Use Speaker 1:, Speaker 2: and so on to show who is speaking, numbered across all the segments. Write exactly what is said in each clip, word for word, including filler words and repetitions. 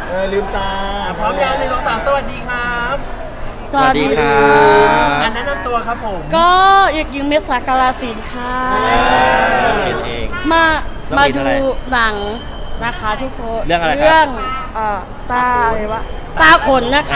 Speaker 1: เออลืมตา
Speaker 2: พร้อมยังหนึ่งสองสามสวัสดีครับ
Speaker 3: สวัสดีค่ะ
Speaker 2: อันแนะนำตัวครับผม
Speaker 3: ก็เอกหญิงเมษากาลสินธุ์ค่ะ
Speaker 4: เป็นเอง
Speaker 3: มามา
Speaker 4: เรื่อง
Speaker 3: ดู
Speaker 4: อะไร
Speaker 3: หนังนะคะทุกคน
Speaker 4: เรื่องอะไรครับ
Speaker 3: เรื่องเอ่อตาอะไรวะตาขนนะคะ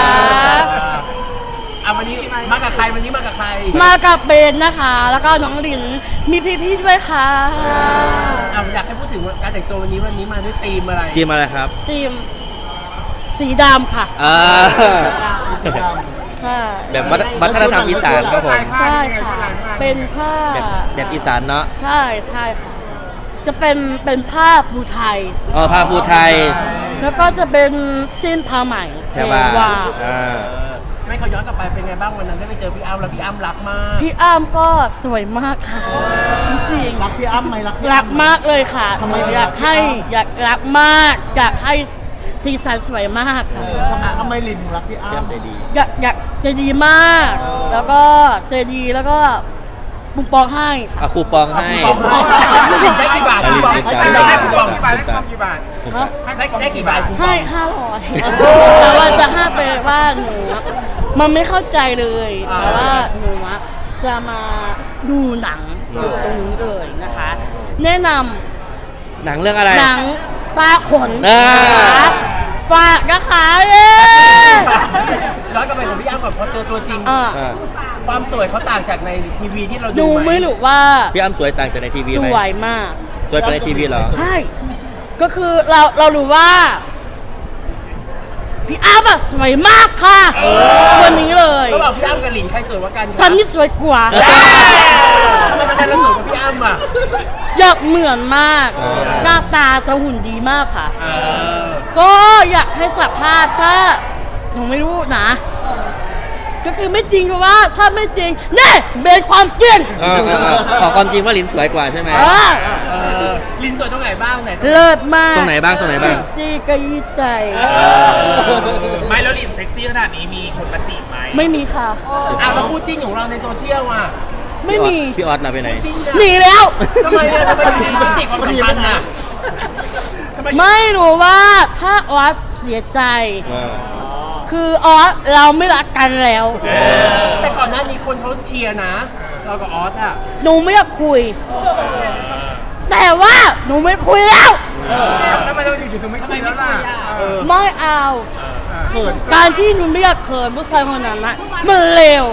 Speaker 2: อ่ะวันนี้มากับใครวันนี้มากับใคร
Speaker 3: มากับเบนนะคะ แล้วก็น้องลินมีพี่ๆด้วยค่ะ
Speaker 2: อ่ะอยากให้พูดถึงการแต่งตัววันนี้วันนี้มาด้วยธีมอะไร
Speaker 4: ทีมอะไรครับ
Speaker 3: ทีมสีดำค่ะ
Speaker 4: อ่า
Speaker 1: สีด
Speaker 3: ใช่
Speaker 4: แบบวัฒวัฒนธรรมอีสานครับผม
Speaker 3: ใช่ค่ะเป็นผ้า
Speaker 4: แบบแบบอีสานเนาะ
Speaker 3: ใช่ใช่ค่ะ จะเป็นเป็นผ้าภูไทย
Speaker 4: อ๋อผ้าภูไทย
Speaker 3: แล้วก็จะเป็นสิ้นผ้าไหม
Speaker 4: แพรว่า
Speaker 3: แพรว่า
Speaker 4: อ่า
Speaker 2: เออไม่เขาย้อนกลับไปเป็นไงบ้างวันนั้นได้ไปเจอพี่อ้ำแล้วพี่อ้ำรักมาก
Speaker 3: พี่อ้ำก็สวยมากค่ะจริง
Speaker 1: ำรักพี่อ้ำไหมรักพี่
Speaker 3: ๆรักมากเลยค่ะ
Speaker 1: ทำไม
Speaker 3: อยากให้อยากรักมากอยากให้สีสันสวยมาก
Speaker 1: เอ
Speaker 3: ค่ะ
Speaker 1: อทำไมทำไมลินถึงรักพี่อ้ำ
Speaker 4: ใจดี
Speaker 3: อยากอยากใจดีมาก แล้วก็ใจดีแล้วก็บุ้งปองให้ค่ะ
Speaker 4: เอาคูปองให้
Speaker 2: ปองได้กี่บาท
Speaker 4: ได้
Speaker 2: กี่บาท
Speaker 4: ได้
Speaker 2: ได้
Speaker 4: ได้
Speaker 2: ได้กี่บาท
Speaker 4: ได้ได้
Speaker 1: กี่บาท
Speaker 3: ฮะ
Speaker 2: ได้ได้กี่บาท
Speaker 3: ให้ห้าร้อยแต่ว่าจะห้าไปว่าหนูอะมันไม่เข้าใจเลย แต่ว่าหนูอะจะมาดูหนังจุดตรงนี้เลยนะคะ แนะน
Speaker 4: หนังเรื่องอะไร
Speaker 3: ำหนังตาขน
Speaker 4: อ่า
Speaker 3: นะคะฝากนะคะเย้
Speaker 2: ย้อนกลับไปของพี่อ้ำก่อนเพราะตัวตัวจริง
Speaker 3: อ่ะ
Speaker 4: อ่า
Speaker 2: ความสวยเขาต่างจากในทีวีที่เรา
Speaker 3: ดู
Speaker 2: ดูไหม
Speaker 3: ไม่รู้ว่า
Speaker 4: พี่อ้ำสวยต่างจากในทีวี
Speaker 3: ส
Speaker 4: ไหม
Speaker 3: วยมาก
Speaker 4: สวยกว่าในทีวีเหรอ
Speaker 3: ใช่ ก็คือเราเรารู้ว่า พี่อ้ำอะสวยมากค่ะวันนี้เลย
Speaker 2: ก็บอกพี่อ้ำกับหลินใครสวยกว่ากัน
Speaker 3: ฉันนี่สวยกว่า
Speaker 2: ทำไมมันจะสวยกว่าพี่อ้ำอ่ะ
Speaker 3: อยากเหมือนมาก
Speaker 4: เออ
Speaker 3: หน้าตาจะหุ่นดีมากค่ะ
Speaker 2: เออ
Speaker 3: ก็อยากให้สัมภาษณ์ถ้าหนูไม่รู้นะ ก็คือไม่จริงเพราะว่าถ้าไม่จริงแน่เป็นความจริง
Speaker 4: เออเออเออขอความจริงว่าลินสวยกว่าใช่ไหม
Speaker 3: เออ
Speaker 2: เออลินสวยตรงไหนบ้างไหน
Speaker 3: เลิศมาก
Speaker 4: ตรงไหนบ้างตรงไหนบ้าง
Speaker 3: เซ็กซี่กระยี้ใจ
Speaker 5: ไม่แล้วลินเซ็กซี่ขนาดนี้มีคนมาจีบไหม
Speaker 3: ไม่มีค่ะ
Speaker 2: อ่ะแล้วคู่จิ้นของเราในโซเชียลอ่ะ
Speaker 3: ไม่มี
Speaker 4: พี่ออสเราไปไหน
Speaker 2: จิ้นอะ
Speaker 3: หนีแล้ว
Speaker 2: ทำไมเนี่ยทำไมถึงติดความสัมพันธ์อ่ะทำไม
Speaker 3: ไม่รู้ว่าถ้าออสเสียใจ
Speaker 4: เออ
Speaker 3: คือออสเราไม่รักกันแล้ว
Speaker 2: แต่ก่อนหน้านี้คนเขาเชียร์นะ เรากับออสอ่ะ
Speaker 3: หนูไม่อยากคุย แต่ว่าหนูไม่คุยแล้ว
Speaker 1: ทำไมทำไมถึงถึงไม่คุยแล้วล่ะ
Speaker 3: ไม่เอา
Speaker 1: เขิน
Speaker 3: การที่หนูไม่อยากเขินผู้ชายคนนั้นนะมันเลว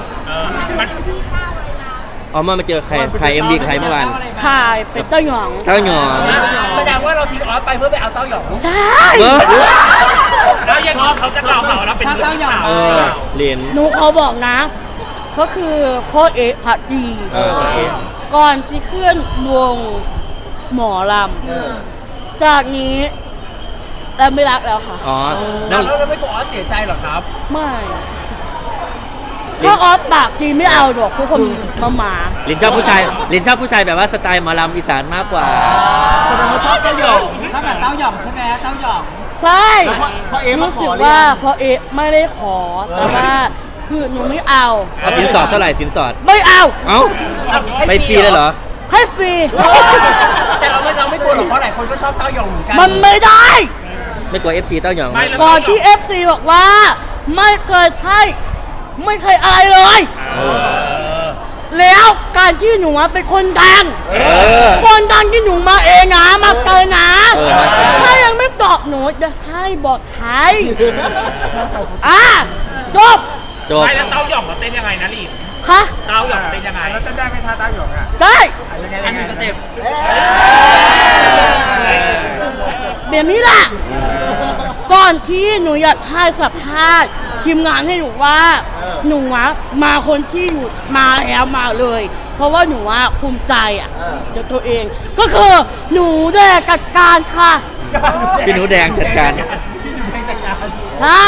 Speaker 4: เอามามาเจอใครถ่ายเอ็มดีใครเมื่อวาน
Speaker 3: ถ่ายเป็นเต้าหยอง
Speaker 4: เต้าหยอง
Speaker 2: แสดงว่าเราทิ้งออสไปเพื่อไปเอาเต้าหยอง
Speaker 3: ใช่
Speaker 4: เออ
Speaker 5: แล้วยังไงเขาจะกล่าวหาว่าเราเป็นมือที่สาม
Speaker 4: เออลิน
Speaker 3: หนูเขาบอกนะ ก็คือพ่อเอะพัดดี
Speaker 4: เออโอเค
Speaker 3: ก่อนที่เคลื่อนวงหมอลำจากนี้เราไม่รักแล้วค่ะ
Speaker 4: อ๋อ
Speaker 2: แล้
Speaker 4: นั่
Speaker 2: ว
Speaker 4: ง
Speaker 2: เราไม่กลัวออสเสียใจหรอครับ
Speaker 3: ไม่ถ้าออฟปากดีไม่เอาดอกทุกคนมาหมา
Speaker 4: ลินชอบผู้ชายลินชอบผู้ชายแบบว่าสไตล์หมอลำอีสานมากกว่า
Speaker 1: แสดงว่าชอบเต้าหยอง
Speaker 2: ถ้าแบบเต้าหยองใช่ไหมเต้าหยอง
Speaker 3: ใช่
Speaker 1: แล้วพ่อพ่อเอ๊ะมา
Speaker 3: รู้
Speaker 1: ข
Speaker 3: สึ
Speaker 1: อก หรือ
Speaker 3: ว่า
Speaker 1: ยัง
Speaker 3: พอเอะไม่ได้ขอ แต่ว่าคือหนูไม่เอา
Speaker 4: เอาสินสอดเท่าไหร่สินสอด
Speaker 3: ไม่เอา
Speaker 4: เอ้าไปฟรีเลยเหรอ
Speaker 3: ให้ฟรี
Speaker 2: แต่เราไม่เราไม่กลัวหรอกเพราะหลายคนก็ชอบเต้าหยองเหมือนกัน
Speaker 3: มันไม่ได้
Speaker 4: ไม่กลัวเอฟซีเต้าหยอง
Speaker 5: ไม่แล้ว
Speaker 3: ก่อนที่ เอฟ ซี บอกว่า ไม่เคยใช่ไม่เคยอะไรเลย
Speaker 4: เออ
Speaker 3: แล้วการที่หนูอะเป็นคนดัง
Speaker 4: เออ
Speaker 3: คนดังที่หนูมาเองนะมาเกินนะ
Speaker 4: เออมาเกิน
Speaker 3: ถ้ายังไม่ตอบหนูจะให้บอกใครอ่ะจบ
Speaker 4: จบ
Speaker 5: ไม่แล้วเต้าหย่อมมาเต้นยังไงนะลิน
Speaker 3: ค่ะ
Speaker 5: เต้าหย่อมเต้นยังไง
Speaker 1: แล้วจะได้ไหมท่าเต้าหยองอ่ะ
Speaker 3: ได้
Speaker 1: ยังไง
Speaker 2: อั
Speaker 1: ยั
Speaker 2: น
Speaker 1: ง
Speaker 2: ห
Speaker 1: ไง
Speaker 2: นึ่งสเต็ป
Speaker 3: แบบนี้แหละก่อนที่หนูอยากให้สัมภาษณ์ทีมงานให้หนูว่า หนูอะมาคนที่อยู่มาแล้วมาเลย เพราะว่าหนูอะภูมิใจอ่ะเดี๋ยวตัวเอง ก็คือหนูได้จัดการค่ะ
Speaker 4: พี่หนูแดงจัดการ
Speaker 3: ใช่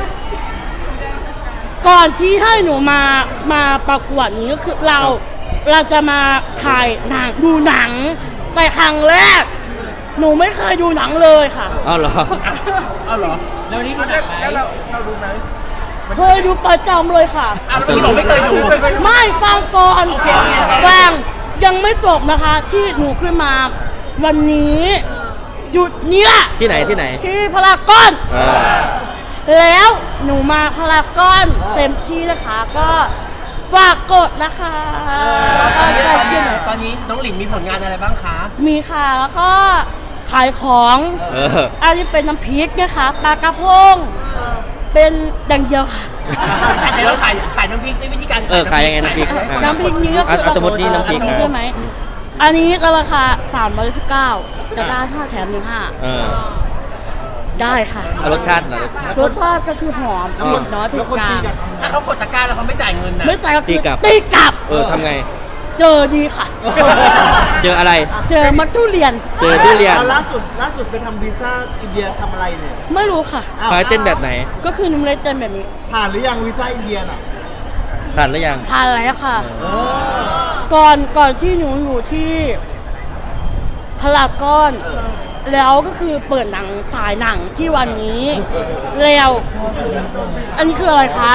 Speaker 3: ก่อนที่ให้หนูมามาประกวดนี้ก็คือเราเราจะมาถ่ายหนังดูหนังแต่ครั้งแรก หนูไม่เคยดูหนังเลยค่ะ
Speaker 4: เอ้าเหรอ
Speaker 2: เอาเหรอ แล้วนี่ดูหนังไหม
Speaker 1: แล้วเราเรารู้ไหม
Speaker 3: เคยดูประจำเลยค่ะ
Speaker 2: อ้าวแล้วพี่บอกไม่เคยดู
Speaker 3: ไม่ฟังก่อน
Speaker 2: โอเคโอเค
Speaker 3: ฟังยังไม่จบนะคะ ที่หนูขึ้นมาวันนี้จุดเนี้ย
Speaker 4: ที่ไหนที่ไหน
Speaker 3: ที่พารากอน
Speaker 4: เออ
Speaker 3: แล้วหนูมาพารากอนเต็มที่นะคะก็ฝากกดนะคะแล้วก็ใจที่ไหน
Speaker 2: ตอนนี้น้องหลินมีผลงานอะไรบ้างคะ
Speaker 3: มีค่ะแล้วก็ขายของ
Speaker 4: เออ
Speaker 3: อันนี้เป็นน้ำพริกนะคะปลากระพงเป็นดังเดียวค่ะ
Speaker 2: เดี๋ยวเราขายขายน้ำพริกซิวิธีการ
Speaker 4: เออขายยังไงน้ำพริกอ่ะ
Speaker 3: น้ำพริกนี้ก็คือ
Speaker 4: เอาสมมุตินี่น้ำพริก
Speaker 3: ใช่ไหมอันนี้ราคาสามร้อยสิบเก้าจะได้ห้าแถมหนึ่งห้า
Speaker 4: เออ
Speaker 3: ได้ค่ะ
Speaker 4: เอารสชาติเหรอรสชาติ
Speaker 3: รสชาติก็คือหอมเผ็ดน้อยเผ็
Speaker 1: แล้
Speaker 3: ด
Speaker 1: วคน
Speaker 3: กลา
Speaker 1: ตี
Speaker 3: ง
Speaker 1: กันทำไง
Speaker 2: ถ้าเขากดตะกร้าแล้วเขาไม่จ่ายเงินนะ
Speaker 3: ไม่จ่ายก็คือ
Speaker 4: ตีกลับ
Speaker 3: ตีกลับ
Speaker 4: เออทำไง
Speaker 3: เจอดีค่ะ
Speaker 4: เจออะไร
Speaker 3: เจอมัตทุเรียน
Speaker 4: เจอทุเรียน
Speaker 1: อาล่าสุดล่าสุดไปทำวีซ่าอินเดียทำอะไรเนี่ย
Speaker 3: ไม่รู้ค่ะ
Speaker 1: อ้าว
Speaker 4: คอยเต้นแบบไหน
Speaker 3: ก็คือหนุ่มเล็กเต้นแบบนี้
Speaker 1: ผ่านหรือยังวีซ่าอินเดียน่ะ
Speaker 4: ผ่านหรือยัง
Speaker 3: ผ่านแล้วค่ะ
Speaker 1: เออ
Speaker 3: ก่อนก่อนที่หนูอยู่ที่พารากอน แล้วก็คือเปิดหนังสายหนังที่วันนี้ แล้ว อันนี้คืออะไรคะ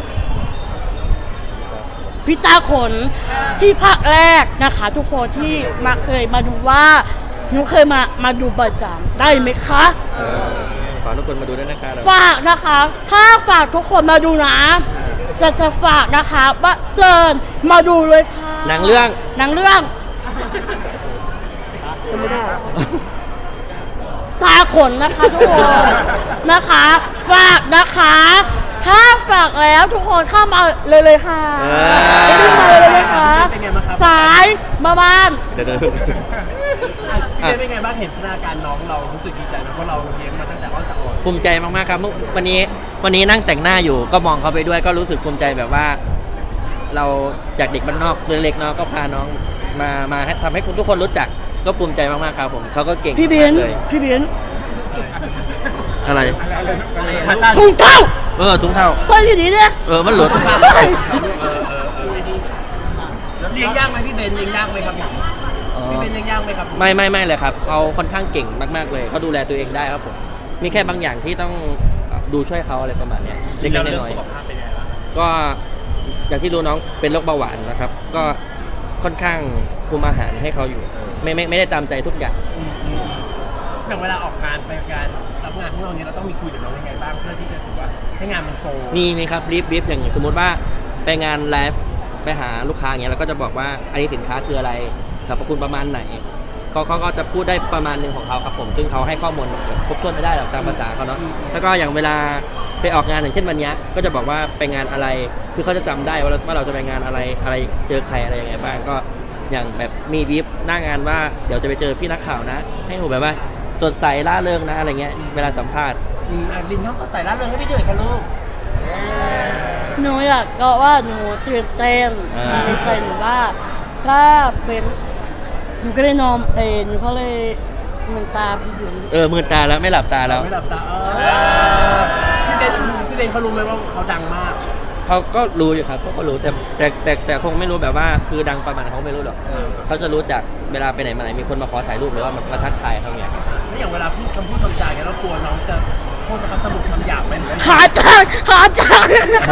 Speaker 3: พิตาขนที่ภาคแรกนะคะ ทุกคนที่มาเคยมาดูว่าหนูเคยมามาดูประจำได้ไหมคะ
Speaker 4: เออขอทุกคนมาดูด้วยนะคะเรา
Speaker 3: ฝากนะคะ ถ้าฝากทุกคนมาดูนะ จะจะฝากนะคะว่าเซิร์นมาดูเลยค่ะ
Speaker 4: หนังเรื่อง
Speaker 3: หนังเรื่องตาขนนะคะทุกคนนะคะ ฝากนะคะ ถ้าฝากแล้วทุกคนเข้ามาเลยเลยค่ะ
Speaker 4: เออ
Speaker 3: รีบมาเลยเลยค่ะ
Speaker 2: เป็นไงบ้างครับ
Speaker 3: สายมาบ้าน
Speaker 4: เดี๋ยวเดี๋ยว
Speaker 2: อ่ะพี่เบนเป็นไงบ้างเห็นพัฒนาการน้องเรารู้สึกดีใจไหมเพราะเราเลี้ยงมาตั้งแต่อ้อนแต่อ่อน
Speaker 4: ภูมิใจมากๆครับเมื่อวันนี้วันนี้นั่งแต่งหน้าอยู่ก็มองเขาไปด้วยก็รู้สึกภูมิใจแบบว่า เราจากเด็กบ้านนอกเล็กๆเนาะก็พาน้องมามาให้ทำให้คุณทุกคนรู้จักก็ภูมิใจมากๆครับผมเขาก็เก่ง
Speaker 3: พี่เบน
Speaker 4: มากเลย
Speaker 3: พี่เบน
Speaker 4: อะไร
Speaker 3: ถุงเท้า
Speaker 4: เออถุงเท้า
Speaker 3: ใส่ดีๆเนี่ย
Speaker 4: เออมันหลุด
Speaker 2: เลี้ยงยากไหมพี่เบนเลี้ยงยากไหมครับพี่เบนเลี้ยงยากไหมครับ
Speaker 4: ไม่ไม่ไม่เลยครับเขาค่อนข้างเก่งมากๆเลยเขาดูแลตัวเองได้ครับผมมีแค่บางอย่างที่ต้องดูช่วยเขาอะไรประมาณเนี้ยเล็กๆ
Speaker 2: แล้วเรื่อง
Speaker 4: น้อย
Speaker 2: สุขภาพเป็นไงบ้าง
Speaker 4: ๆก็อย่างที่รู้น้องเป็นโรคเบาหวานนะครับ ก็ค่อนข้างคุมอาหารให้เขาอยู่ ไม่ไม่ไม่ได้ตามใจทุกอย่าง
Speaker 2: อย่างเวลาออกงานไปงานรับงานของเราเนี่ยเราต้องมีคุยกับน้องยังไงบ้างเพื่อที่จะรู้สึกว่าให้งานมันโฟล์
Speaker 4: มีมีครับรีบรีบอย่างสมมติว่าไปงานไลฟ์ไปหาลูกค้าอย่างเงี้ยเราก็จะบอกว่าอันนี้สินค้าคืออะไรสรรพคุณประมาณไหนเขาเขาก็จะพูดได้ประมาณหนึ่งของเขาครับผมซึ่งเขาให้ข้อมูลครบถ้วนไม่ได้หรอกตามภาษาเขาเนาะแล้วก็อย่างเวลาไปออกงานอย่างเช่นวันเนี้ยก็จะบอกว่าไปงานอะไรคือเขาจะจำได้ว่าเราว่าเราจะไปงานอะไรอะไรเจอใครอะไรยังไงบ้างก็อย่างแบบมีบีฟหน้างานว่าเดี๋ยวจะไปเจอพี่นักข่าวนะ ให้ผมแบบว่าสดใสร่าเริงนะอะไรเงี้ยเวลาสัมภาษณ์
Speaker 2: อืมอ่ะลินทำสดใสร่าเริงให้พี่ด้วยค่ะลูก
Speaker 3: หนูอยากก็ว่าหนูตื่นเต้น
Speaker 4: อ่า
Speaker 3: ตื่นเต้นว่าถ้าเป็นหนูก็เลยนอนเองหนูก็เลยเหมือนตาพี่บุ๋ม
Speaker 4: เออมือตาแล้วไม่หลับตาแล้ว
Speaker 2: ไม่หลับตาเออพี่เบนพี่เบนเขารู้ไหมว่าเขาดังมาก
Speaker 4: เขาก็รู้อยู่ครับเขาก็รู้แต่แต่แต่แต่คงไม่รู้แบบว่าคือดังประมาณเขาไม่รู้หรอกเขาจะรู้จากเวลาไปไหนมาไหนมีคนมาขอถ่ายรูปหรือว่ามามาทักทายเขาเนี่ยครับ
Speaker 2: แล้วอย่างเวลาพูดคำพูดคำจาเนี่ยเรากลัวน้องจะพูดคำสมุดคำหยาบไหมหรือว่า
Speaker 3: ขาจางขาจาง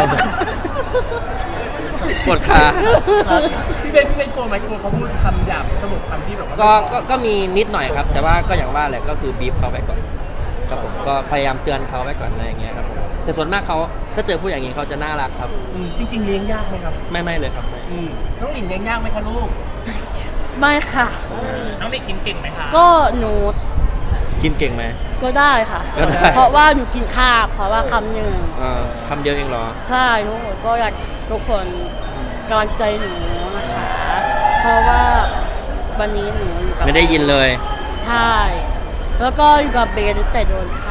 Speaker 4: ปวดขา
Speaker 2: พี่เบนพี่เบนกลัวไหมกลัวเขาพูดคำหยาบสมุดคำที่แบบว่า
Speaker 4: ก็ก็ก็มีนิดหน่อยครับ แต่ว่าก็อย่างว่าแหละก็คือบีบเขาไปก่อนครับผมก็พยายามเตือนเขาไว้ก่อนอะไรอย่างเงี้ยครับผมแต่ส่วนมากเขาถ้าเจอผู้อย่างนี้เขาจะน่ารักครับ
Speaker 2: อืมจริง ๆเลี้ยงยากไหมครับ
Speaker 4: ไม่ไม่เลยครับไม่
Speaker 2: อืมน้องหลินเลี้ยงยากไหมคะลูก
Speaker 3: ไม่ค่ะ
Speaker 5: น้องเด็กกินเก่งไหมคะ
Speaker 3: ก็หนู
Speaker 4: กินเก่งไหม
Speaker 3: ก็ได้ค่ะ
Speaker 4: ก็ได้
Speaker 3: เพราะว่าหนูกินข้าวเพราะว่าคำหนึ่ง
Speaker 4: เอ่อคำเดียวเองเหรอ
Speaker 3: ใช่ทุกคนก็อยากทุกคนกำลังใจหนูนะคะ เพราะว่าวันนี้หนูอยู่กับ
Speaker 4: ไม่ได้ยินเลย
Speaker 3: ใช่ แล้วก็อยู่กับเบนแต่โดนค่ะ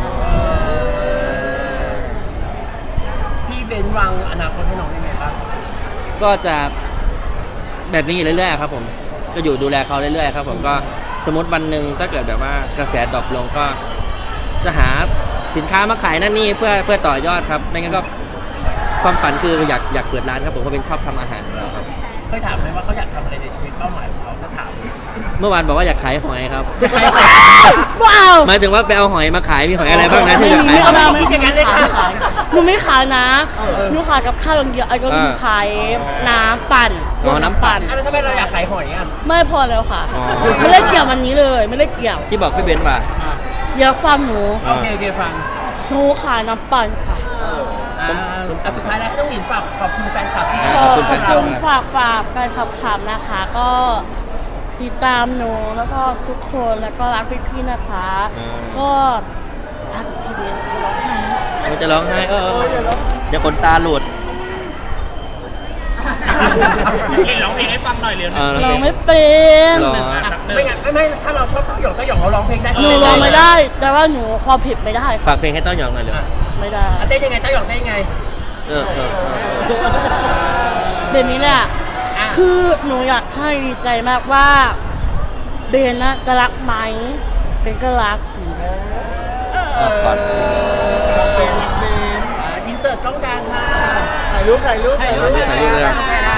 Speaker 2: พี่เบนวางอนาคตให้น้องยังไงบ้าง
Speaker 4: ก็จะแบบนี้เรื่อยๆครับผมก็อยู่ดูแลเขาเรื่อยๆครับผมก็สมมติวันหนึ่งถ้าเกิดแบบว่ากระแสดรอปลงก็จะหาสินค้ามาขายนั่นนี่เพื่อเพื่อต่อยอดครับไม่งั้นก็ความฝันคืออยากอยากเปิดร้านครับผมเพราะเป็นชอบทำอาหารอยู่แล้วครับ
Speaker 2: เคยถามไหมว่าเขาอยากทำอะไรในชีวิตเป้าหมายของเขาจะถาม
Speaker 4: เมื่อวานบอกว่าอยากขายหอยครับ
Speaker 3: ว้าว
Speaker 4: หมายถึงว่าไปเอาหอยมาขายมีหอยอะไรบ้างนะที่
Speaker 3: ไม่
Speaker 4: จะ
Speaker 3: มี
Speaker 4: ขาย
Speaker 3: ไม่เอา
Speaker 2: คิดอย่างนั้นเลยค่ะ
Speaker 3: หนูไม่ขายนะ
Speaker 1: เออ
Speaker 3: หนูขายกับข้าวอย่างเดียวไอ้ก็
Speaker 4: อ่า
Speaker 3: หนูขายน้ำปั่น
Speaker 4: อ๋อน้ำปั่น
Speaker 2: อ่ะแล้วทำไมเราอยากขายหอยอ่ะ
Speaker 3: ไม่พอแล้วค่ะ
Speaker 4: อ๋อ
Speaker 3: ไม่ได้เกี่ยววันนี้เลย ไม่ได้เกี่ยว
Speaker 4: ที่บอกพี่เบนซ์ว่า
Speaker 3: เดี๋ยวฟังหนู
Speaker 4: อ่า
Speaker 2: โอเคโอเคฟัง
Speaker 3: หนูขายน้ำปั่นค่ะ
Speaker 2: อ่าอ่ะสุดท้ายแล้วให้น้องหลินฝากขอบคุณแฟนคลับที่
Speaker 3: ขอ
Speaker 4: ขอบ
Speaker 3: ข
Speaker 4: คุ
Speaker 3: อบ
Speaker 4: ณแฟนคลับ
Speaker 3: คุณฝากฝากแฟนคลับขำนะคะ ก็ติดตามหนูแล้วก็ทุกคนแล้วก็รักพี่ๆนะคะ
Speaker 4: อ่า
Speaker 3: ก็รักพี่เบนก็ร้องไห้
Speaker 4: มันจะร้องไห้เออเดี๋ยวคนตาหลุด
Speaker 5: หลินร้องเพลงให้ฟังหน่อยเร็ว
Speaker 4: เออ
Speaker 3: ร้องไม่เป็น
Speaker 4: หรอ
Speaker 2: อ่ะไม่งั้นไม่ไม่ถ้าเราชอบเต้าหยองเต้าหยองเราร้องเพลงได้
Speaker 3: หนูร้องไม่ได้ แต่ว่าหนูความผิดไม่ได้ค่ะ
Speaker 4: ฝากเพลงให้เต้าหยองหน่อยเลย
Speaker 3: ไม่ได้
Speaker 2: อ่ะเต้นยังไงเต้าหยองเต้นยังไง
Speaker 4: เออเออเออ
Speaker 3: แบบนี้แหละ
Speaker 2: อ่ะ
Speaker 3: คือหนูอยากให้ดีใจมากว่าเบนนะจะรักไหมเบนก็รัก
Speaker 4: เอาก่อน
Speaker 1: รักเบนรักเบน
Speaker 2: อ่าอินเสิร์ตกล้องกลางค่ะ
Speaker 1: ถ่ายรูปถ่ายรูปถ่ายรูป
Speaker 4: ถ่ายรูปเลย
Speaker 1: ถ่ายรูป